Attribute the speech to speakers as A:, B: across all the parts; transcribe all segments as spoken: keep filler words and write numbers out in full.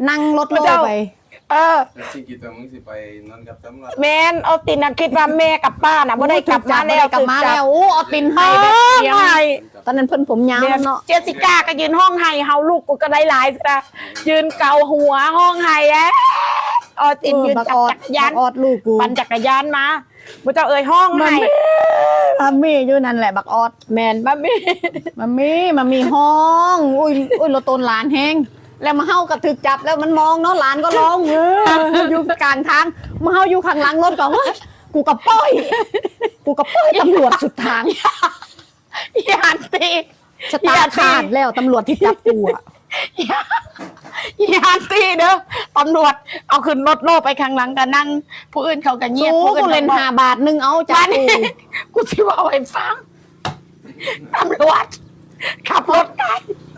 A: นั่งรถโล่ไป
B: เออ
C: ที่กิตมึงสิไปนอนกับตำรวจ
B: แมนเอาตินนะคิดว่าแม่กับป้าน่ะไม่ได้กลับมาแล้ว
A: กลับมาแล้วโอ้เอาตินให้แบบเสียงตอนนั้นเพิ่นผมยาวเนาะ
B: เจสสิก้าก็ยืนห้องไห้เฮาลูกกูก็ได้หลายจ้ะยืนเกาหัวห้องไห้แอ๊เอาตินยืนจักรยาน
A: ออดลูกกู
B: ปั่นจักรยานมาบุเจ้าเอ่ยห้องไห้
A: มัมมี่อยู่นั่นแหละบักออด
B: แมนมัมมี่
A: มัมมี่มัมมี่ห้องอุ้ยอุ้ยเราตนหลานแห้งแล้วมาเฮากระถึกจับแล้วมันมองเนาะหลานก็ร้องเอออยู่กลางทางมาเฮาอยู่ข้างหลังรถก่อนว่ากูกับป้อยกูกับป้อยตำรวจสุดทาง
B: ยานตี
A: ชะตาขาดแล้วตำรวจที่จับกูอ่ะ
B: ยานตีเด้อตำรวจเอาขึ้นรถโล่ไปข้างหลังกันนั่งผู้อื่นเขากันเงียบผู้อื่น
A: เล่นห้าบาทนึงเอาจับกู
B: กูสิว่าไอ้ฟังตำรวจขับรถไกล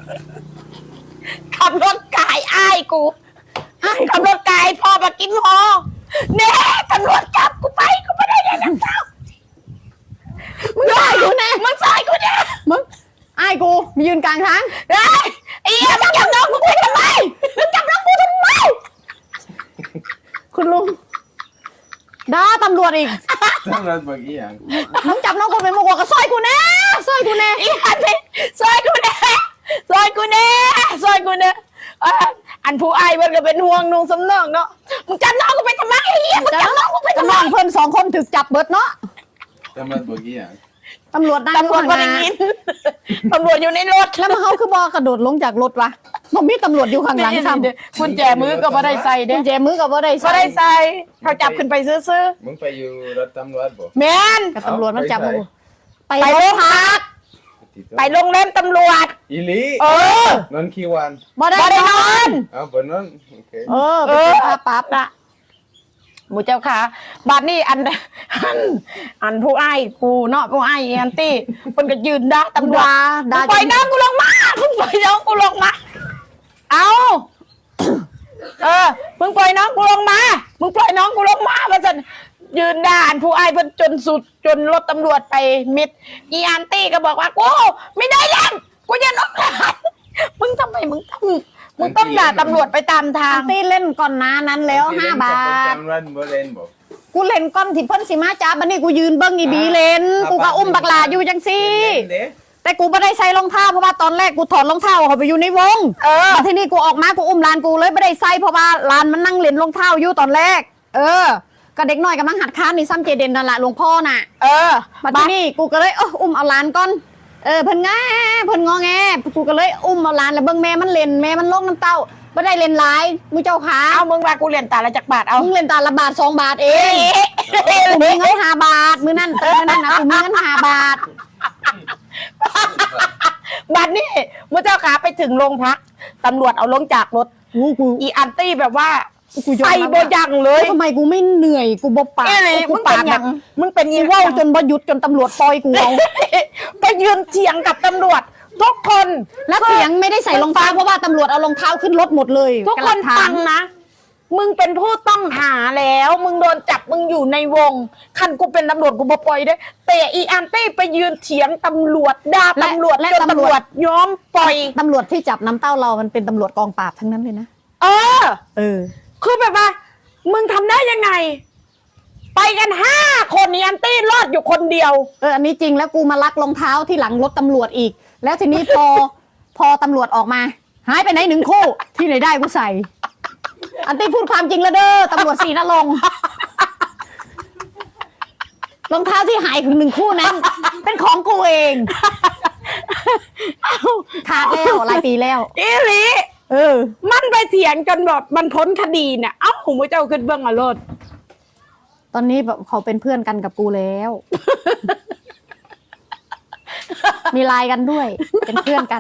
B: ขับรถไก่อ้ายกูขับรถไก่พอมากินพอเน่ตำรวจจับกูไปกูไม่ได้ยังเจ้า
A: มึงใส่กูแน่
B: มึงใส่กูแน่
A: มึงอ้ายกูมายืนกลางทาง
B: เฮ้ยไอ้เหี้ยมึงจับน้องกูไปทำไมมึงจับน้องกูทำไม
A: คุณลุงด่าตำรวจอีก
C: ตำรวจบอกอีหยัง
A: มึงจับน้องกูเป็นมกกับซอยกูแน่ซอยกูแน่
B: อีหันไปซอยกูแน่ซอยกูแน่ซอยกูแน่อันผู้อายมันก็เป็นห่วงนุ่งสำเนาเนาะมึงจับน้องกูไปทำไมไอ้เหี้ยมึงจับน้องกูไปทำไม
A: น้องเพิ่นสองคนถึกจับเบิดเนาะ
C: ตำรวจบอกอีหยัง
A: ตำรวจได้
B: ตำรวจก็ได้ยินตำรวจอยู่ในรถ
A: แล้วมาเขาคือบอกระโดดลงจากรถวะมันมีตำรวจอยู่ข้างหลังซ้
B: ำกุญแจมือก็บ่ได้ใส่เด้
A: กุญแจมือก็บ่ได้ใส่
B: บ่ได้ใส่เขาจับขึ้นไปซื้อ
C: มึงไปอยู่รถตำรวจบ่
B: แม่น
A: กับตำรวจมันจับมึง
B: ไปโรงพักไปโรงเล่นตำรวจ
C: อีลี
B: เอ
C: อนอนกี่วัน
A: บ่ได้
B: นอน
C: เอาบ่นอนโอเค
A: เออเออปั๊บละ
B: หมูเจ้าค่ะบัดนี้อันอันอันผู้อ้ายกูเนาะผู้อ้ายแอนตี้เพิ่นก็ยืนด่าตำรวจปล่อยน้องกูลงมามึงปล่อยน้องกูลงมาเอาเออมึงปล่อยน้องกูลงมามึงปล่อยน้องกูลงมาว่าซั่นยืนด่าอันผู้อ้ายเพิ่นจนสุดจนรถตำรวจไปมิดอีแอนตี้ก็บอกว่ากูไม่ได้เล่นกูจะนกหลานมึงทำไมมึงต้องมึงต้องด่าตำรวจไปตามทาง
A: ตี้เล่นก่อนหน้านั้นแล้วห้าบาทกูเล่นก้อนที่เพิ่นสิมาจ้าบัดนี้กูยืนเบิ้งอีบีเล่นกูก็อุ้มบักหลาอยู่จังซี่แต่กูไม่ได้ใส่รองเท้าเพราะว่าตอนแรกกูถอดรองเท้าเขาไปอยู่ในวงเออทีนี้กูออกมากูอุ้มหลานกูเลยไม่ได้ใส่เพราะว่าหลานมันนั่งเล่นรองเท้าอยู่ตอนแรกเออก็เด็กน้อยกำลังหัดค้านนี่ซ้ำเจเดนนั่นแหละหลวงพ่อน่ะ
B: เออ
A: บัดนี้กูก็เลยเอออุ้มเอาหลานก่อนเออเพิ่นง่าเพิ่นงอแงกูก็เลยอุ้มเอาหลานแล้วเบิ่งแม่มันเล่นแม่มันลงน้ำเต้าไม่ได้เล่นหลายมึงเจ้าขา
B: เอามึงว่ากูเล่นตาละจักบาทเอา
A: มึงเล่นตาละบาทสองบาทเองกูมีเงินห้าบาทมื้อนั่นมื้อนั่นนะกูมีเงินห้าบาท
B: บัดนี้มึงเจ้าขาไปถึงโรงพักตำรวจเอาลงจากรถอีอันตี้แบบว่าใส่โบยังเลย
A: ทำไมกูไม่เหนื่อยกูบ่ปาก
B: กูปากแบบมึงเป็น
A: อีว่าวจนบ่หยุดจนตำรวจปล่อยกูเอา
B: ไปยืนเถียงกับตำรวจทุกคน
A: แล้วเถียงไม่ได้ใส่รองเท้าเพราะว่าตำรวจเอารองเท้าขึ้นรถหมดเลย
B: ทุกคนฟังนะมึงเป็นผู้ต้องหาแล้วมึงโดนจับมึงอยู่ในวงคันกูเป็นตำรวจกูบ่ปล่อยได้แต่อีอันตี้ไปยืนเถียงตำรวจด่าตำรวจและตำรวจยอมปล่อย
A: ตำรวจที่จับน้ำเต้าเรามันเป็นตำรวจกองปราบทั้งนั้นเลยนะ
B: เออ
A: เออ
B: คือแบบว่ามึงทำได้ยังไงไปกันห้าคนนี่อันตี้รอดอยู่คนเดียว
A: เอออันนี้จริงแล้วกูมาลักรองเท้าที่หลังรถตำรวจอีกแล้วทีนี้พอพอตำรวจออกมาหายไปไหนหนึ่งคู่ที่ไหนได้กูใส่อันตี้พูดความจริงแล้วเด้อตำรวจศรีนรงค์รองเท้าที่หายถึงหนึ่งคู่นั้นเป็นของกูเองขาดแล้วหลายปีแล้ว
B: อีหลี
A: เออ
B: มันไปเถียงจนแบบมันพ้นคดีเนี่ยเอ้าผมเจ้าขึ้นเบื้องอรรถ
A: ตอนนี้แบบเขาเป็นเพื่อนกันกับกูแล้วมีไลน์กันด้วยเป็นเพื่อนกัน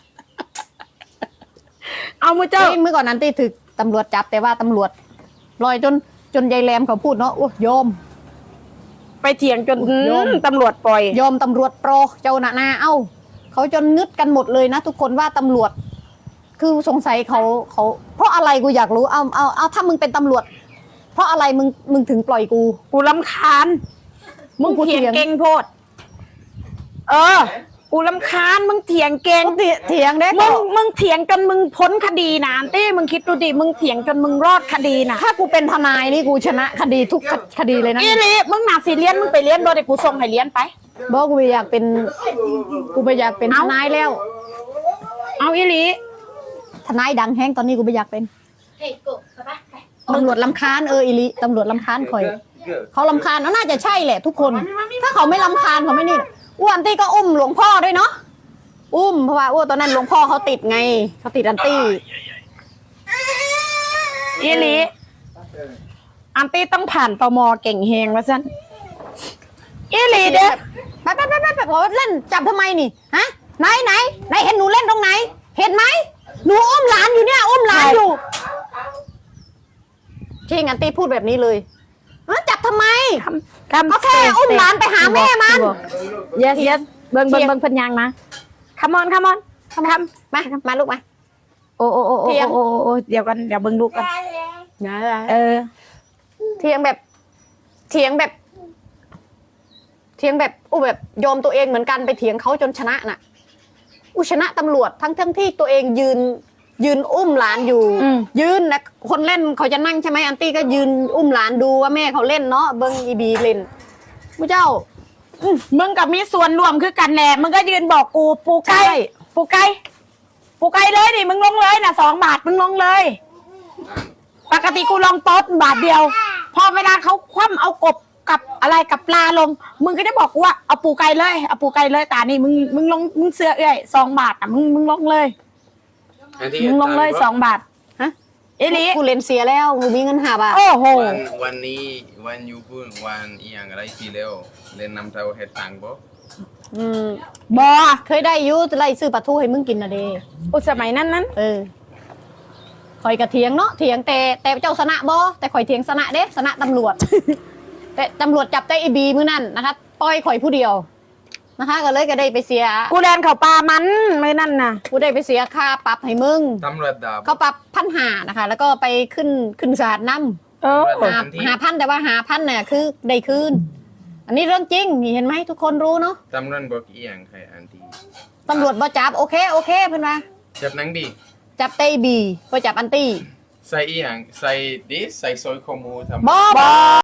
B: เอามือเจ้า
A: เมื่อก่อนนั้นที่ถึกตำรวจจับแต่ว่าตำรวจลอยจนจนยายแรมเขาพูดเนาะโอ้โยม
B: ไปเถียงจนตำรวจปล่อย
A: โยมตำรวจโปรเจ้าหน้าหน้าเอ้าเขาจนงึดกันหมดเลยนะทุกคนว่าตำรวจคือสงสัยเขาเขาเพราะอะไรกูอยากรู้เอาเอาเอาถ้ามึงเป็นตำรวจเพราะอะไรมึงมึงถึงปล่อยกู
B: กูรำคาญมึงเถียงเก่งโพดเออกูรำคาญมึงเถียงเก่ง
A: เถียเถียงเด้
B: มึงมึงเถียงจนมึงพ้นคดีนะอันตี้มึงคิดดูดิมึงเถียงจนมึงรอดคดีนะ
A: ถ้ากูเป็นทนายนี่กูชนะคดีทุกคดีเลยนะ
B: อีหลีมึงหนาสิเลี้ยนมึงไปเลี้ยนโดยเดี๋ยวกูส่งให้เลี้ยนไป
A: บอกกูไม่อยากเป็นกูไม่อยากเป็นท
B: เอ้า
A: นายแล้ว
B: เอาอีหลี
A: ทนายดังแห้งตอนนี้กูไม่อยากเป็นตำรวจลำคาญเอออิลิตำรวจลำคาญคอย เขาลำคาญน่าจะใช่แหละทุกคน ถ้าเขาไม่ลำคาญเขาไม่นี่อ้วนตี้ก็อุ้มหลวงพ่อด้วยเนาะอุ้มเพราะว่าอ้วนตอนนั้นหลวงพ่อเขาติดไงเขาติดอันตี้
B: อีหลีอันตี้ต้องผ่านตมเก่งเฮงว่าซั่นอีหลีเด้อ
A: ไปไปไปไปไปบอกว่าเล่นจับทำไมนี่ฮะไหนไหนไหนเห็นหนูเล่นตรงไหน เห็นไหมหนูอุ้มหลานอยู่เนี่ยอุ้มหลานอยู่จริงอันตี้พูดแบบนี้เลยฮะจับทำไม เขาแค่อุ้มหลานไปหาแม่มัน
B: yes yes เบิ่งเบิ่งเบิ่งเพิ่นยังนะ come on come on คำคำ
A: มามาลูกมา
B: โอ้โอ้โอ้โอ้
A: เถียง
B: โอ้โอ้เดี๋ยวกันเดี๋ยวเบิ่งลูกกันเออ
A: เถียงแบบเถียงแบบ เถียงแบบอู้แบบยอมตัวเองเหมือนกันไปเถียงเขาจนชนะน่ะอู้ชนะตำรวจทั้งทั้งที่ตัวเองยืน ยืนอุ้มหลานอยู่
B: อืม
A: ยืนนะคนเล่นเขาจะนั่งใช่ไหมอันตี้ก็ยืนอุ้มหลานดูว่าแม่เขาเล่นเนาะเบิ้งอีบีเล่นผู้เจ้า
B: มึงกับมีส่วนรวมคือกันแหละมึงก็ยืนบอกกูปูไก่
A: ใช่
B: ปูไก่ปูไก่เลยดิมึงลงเลยนะสองบาทมึงลงเลย ปกติกูลงโต๊ะบาทเดียว พอเวลาเขาคว่ำเอากบกับอะไรกับปลาลง มึงก็จะบอกกูว่าเอาปูไก่เลยเอาปูไก่เลยตานี่มึงมึงลงมึงเสือเอ้ยสองบาทอ่ะมึงมึงลงเลยมึงลงเลยสองบาท
A: ฮะ
B: เอลิ
A: กูเล่นเสียแล้วกูมีเงินหาบาท
B: โอ้โห
C: วันวันนี้วันยูพูดวันอีหยังอะไรทีเร็วเล่นน้ำเต้าเฮ็ดตังบ่
A: อืม
B: บอ
A: เคยได้อยูไล่ซื้อปลาทูให้มึงกินนะเด
B: อุสมัยนั้นนั้น
A: เออข่อยกระเถียงเนาะเถียงแต่แต่เจ้าสนะบ่แต่ข่อยเถียงสนะเด้สนะตำรวจ แต่ตำรวจจับได้ไอบีมื้อนั่นนะคะปล่อยข่อยผู้เดียวนะคะ ก็เลยก็ได้ไปเสีย
B: กูแดนเขาปลามันไม่นั่นน่ะ
A: กูได้ไปเสียค่าปรับให้มึง
C: ตำรวจดาบ
A: เขาปรับพันหานะคะ แล้วก็ไปขึ้นขึ้นศาลน้
B: เออ
C: เออ
A: ำหาหาพันแต่ว่าหาพันเนี่ยคือได้คืนอันนี้เรื่องจริงนี่เห็นไหมทุกคนรู้เนาะ
C: ตำรวจบอกอีหยังใครอันที
A: ตำรวจบ่จับโอเคโอเคเพื่อนว่า
C: จับนังดี
A: จับเต้บีบ่จับอันตี้
C: ใส่อีหยังใส่ดิใส่ซอยข้อมูลทำ
A: บ่บ่